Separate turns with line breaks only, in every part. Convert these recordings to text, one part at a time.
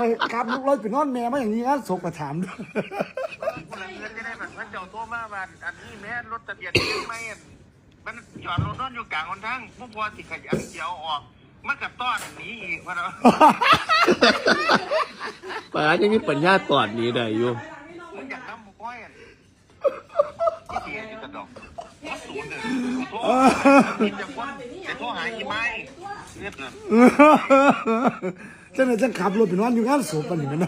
ครับลูกรถไปนอนแม่มาอย่างนี้งั้นศพประถามด้วย
คนละเงินจะได้แบบว่าเจ้าโตมาบ้านอันนี้แม่รถทะเบียนไม่มันจอดรถนอนอยู่กลางคนทั้งผู้พอสิขยันเสียวออกมันกับต้อนหนีอีกวะเนาะ
ป่ายังมีปัญญาตอดนี้ได้อยู่
มึงอยากทำบุก้อยที่เสียอยู่กระดอกศูนย์เลยขอโทษกินจากคนแต่โทษหายกี่ไม้เรียบเลย
เจ้าหน้าที่ขับรถไปนอนอยู่งั้นศพปันนี่มัน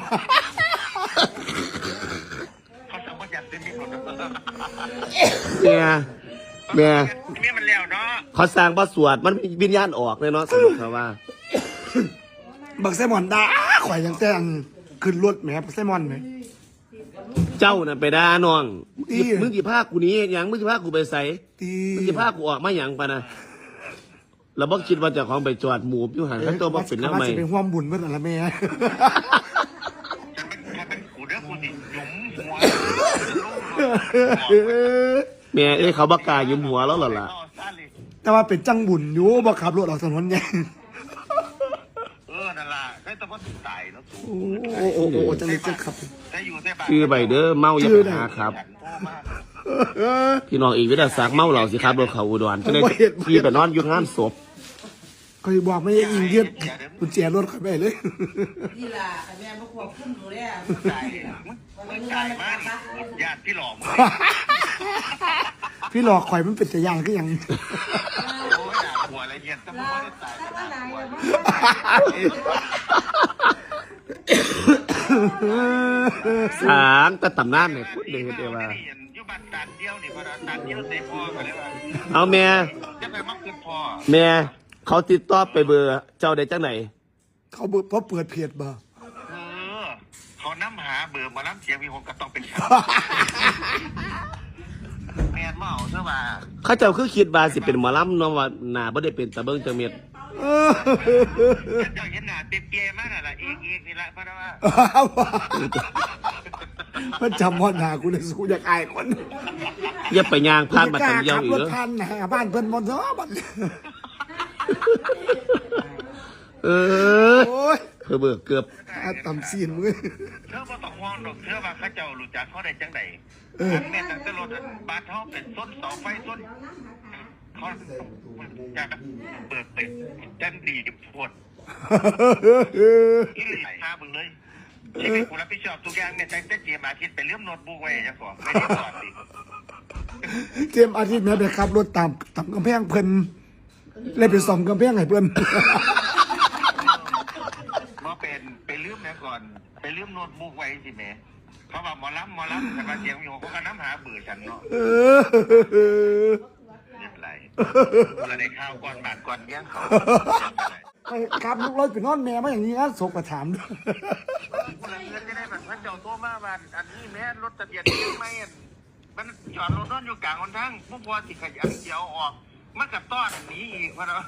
เขาจะมาอยากเต็มที่หมด
เมีย
มันแล้วเนาะ
เขาสร้างบทสวดมันวิญญาณออกเลยเนาะสรุปเขาว่า
บักไซมอนด่าข่อยยังแต่งขึ้นรถแหมบักไซมอนไหม
เจ้าน่ะไปด่าน้องมึงกี่ภาคกูนี้ยังมึงกี่ภาคกูไปใส่มึงกี่ภาคกูออกมาอย่างปะนะเราบอกคิดว่าจะของไปจอดหมูอยู่หันตัวบอกเป็นแล้วไหม
เป็นห่วงบุญเมื่อไหร่แม่
เป็นกูเด้อกูสิหยุมหัว
แม่เขาบักกายุ่มหัวแล้วหรอล่ะ
แต่ว่าเป็นจังบุญอยู่บ่ขับรถออกถนนยัง
นั่นล่ะได้แต่ว่าตายแล้ว
โอ้จังเลยจังขับ
คือใบเด้อเมาอย่าไปหาครับพี่น้องอีกวิทยาศักดิ์เมาเหล่าสิครับรถเขาอุดรจะได้ขี่ไปนอนอยู่งานศพ
ก็บอกไม่ยิงเยียดกุญแจรถเขาไปเลย
นี่ล่ะแม่มาควบคุมดูแล
มึงจ่ายมาญาติพี่หลอก
พี่หลอกข่อยมันเป็นแต่ยังก็ยัง
โอ้ยด่าหัวอะไรเงี้ยแต่มึงไม่ได้จ่าย
สางแต่ตำนานเนี่ยพูดเลยเดียวว่า
อยู่บ้านตัดเดียวนี่พอตัดเดียวเสียพ่อกันเลยว่า
เอาแม่
จะไปมักเกินพ่อ
แม่เขาติดต่อไปเบอร์เจ้าได้จังไหน
เขาเพราะเปิดเพจบ่
เขาน้ำหาเบอร์มาน้ำเสียงมีคนก็ต้องเป็นข่าวแม่เมาเท่าว่า
เขาเจ้าคือคิดว่าสิเป็นหมอลำน้องว่าหนาบ่ได้เป็นตะเบิ้งจังเม็ด
เจ้าเห็นหน้าเตี้ยๆมากน่ะอีกนี่ละเพราะว่า
มันจำว่าหน้ากูเลยสู้อยากอายคน
อย่าไปย่างผ่านมาตังเดียวอีก
เหรอขับรถผ่านบ้านเพิ่นหมดเนาะบัด
เพื่อเบิกเกือบ
ต่ำซีนมึง
เธอมาต้องห่วงดอกเธอว่าข้าเจ้ารู้จักเขาได้จังไดแม่ตั้งแต่รถบ้านเขาเป็นส้นเสาไฟส้นเขาจะเปิดเป็นจันดีดิบพดที่หลีหาบึงเลยชีวิตกูรับผิดชอบทุกอย่างเนี่ยตั้งแต่เจียมอาทิตย์ไปเลื่อมโน้ตบุ๊กไว้ยังก่อนไม่ได้ก่อนดิ
เจมอาทิตย์แม่ไปขับรถตามกำแพงเพิ่นเลยไปส่อมกำแพงให้เพิ่น
มาเป็นไปลืมนะก่อนไปลืมโน้ตบุ๊กไว้สิแม่เขาบอกหมอลำแต่มาเสียงอยู่เขาก็น้ำหาเบื่อฉันเนาะเรียบไรเราได้ข้าวก่อนบาทก่อนเลี้ยงเขา
ครับลูกรถไปนอนแม่มาอย่างนี้งั้นศพประถามด้วย
คนละเงินจะได้แบบว่าเจ้าโตมาบ้านอันนี้แม่รถทะเบียนไม่มันจอดรถนอนอยู่กลางคนทั้งผู้พอสิขยันเสียวออกมันกับต้อนหนีอีกวะเนาะ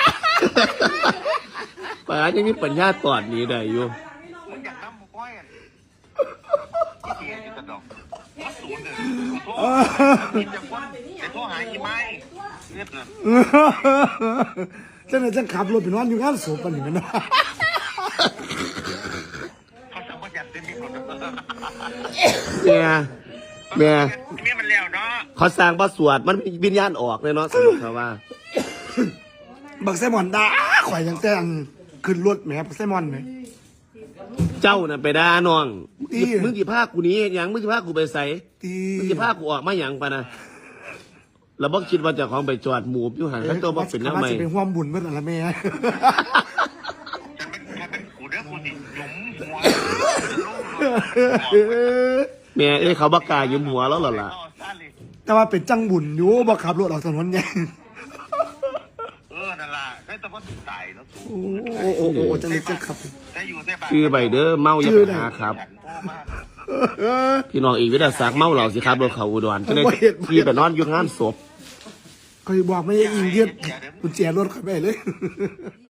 ป่ายังมีปัญญาตอดนี้ได้อยู่
มึงอยากทำบุก้อยที่เสียอยู่กระดอกศูนย์เลยขอโทษกินจากคนแต่โทษหายกี่ไม้เรียบเลย
เจ้าหน้าที่ขับรถไปนอนอยู่งั้นศพปันนี่มัน
เขาจะมาอยากเต็มที่หมด
เมีย
มันแล้วเนาะ
เขาสร้างบทสวดมันวิญญาณออกเลยเนาะสรุปเขาว่า
บักไซมอนด่าข่อยยังแต่งขึ้นรถแหมบักไซมอนไหม
เจ้าน่ะไปด่าน้องมึงกี่ภาคกูนี้ยังมึงกี่ภาคกูไปใส่มึงกี่ภาคกูออกมาอย่างปะนะเราบอกคิดว่าจะของไปจอดหมูอยู่หันตัวบอกเป็นแล้วไหม
เป็นห่วงบุญเมื่อไหร่แม่
เป็นกูเด้อกูสิหยุมหัว
แม่เขาบักกายุ่มหัวแล้วหรอล่ะ
แต่ว่าเป็นจังบุญอยู่บ่ขับรถออกถนนยัง
นั่นล่ะได้แต่ว่าตายแล้ว
โอ้จังเลยจังขับ
คือใบเด้อเมาอย่าไปหาครับพี่น้องอีกวิทยาศักดิ์เมาเหล่าสิครับรถเขาอุดรจะได้ขี่ไปนอนอยู่งานศพ
ก็บอกไม่ยิงเยียดกุญแจรถเขาไปเลย